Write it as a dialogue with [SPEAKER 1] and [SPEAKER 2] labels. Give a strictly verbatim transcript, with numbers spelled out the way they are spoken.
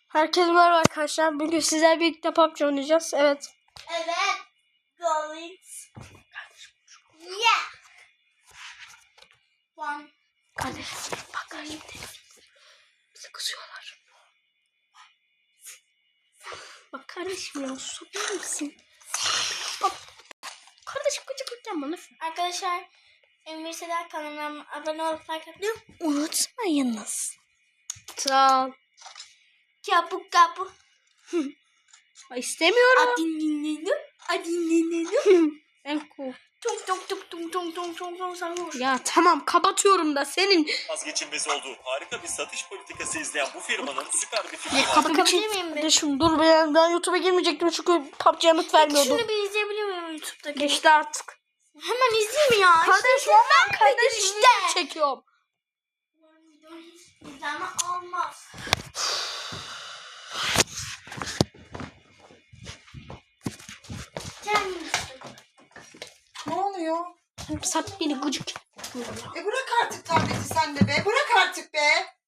[SPEAKER 1] Herkese merhaba arkadaşlar. Bugün sizlerle birlikte P U B G oynayacağız. Evet.
[SPEAKER 2] Evet. Going. Yeah. One.
[SPEAKER 1] Kardeşim bak kardeşim. Bizi kızıyorlar. Bak kardeşim ya susabilir misin? Bak. Kardeşim gıcık bana.
[SPEAKER 2] Arkadaşlar Emir Sedat kanalına abone olup like atmayı
[SPEAKER 1] Unutmayınız. Sağ ol.
[SPEAKER 2] Kapı kapı.
[SPEAKER 1] İstemiyorum.
[SPEAKER 2] Adinlinu. Adinlinu.
[SPEAKER 1] En cool.
[SPEAKER 2] Tung tung tung tung tung tung tung tung sarhoş.
[SPEAKER 1] Ya tamam kapatıyorum da senin.
[SPEAKER 3] Vazgeçilmez olduğu harika bir satış politikası izleyen bu firmanın süper bir fikri
[SPEAKER 1] Ya
[SPEAKER 3] var.
[SPEAKER 1] kapatabilir miyim? Kardeşim dur ben, ben YouTube'a girmeyecektim çünkü P U B G'ye yanıt vermiyordum.
[SPEAKER 2] Şunu bir izleyebilir miyim YouTube'daki?
[SPEAKER 1] Geçti artık.
[SPEAKER 2] Hemen izleyeyim ya.
[SPEAKER 1] Kardeşim ben kardeşim
[SPEAKER 2] işte.
[SPEAKER 1] çekiyorum.
[SPEAKER 2] Ama olmaz.
[SPEAKER 4] Ne oluyor?
[SPEAKER 1] Sat beni gıcık.
[SPEAKER 4] E bırak artık tableti sen de be. Bırak artık be.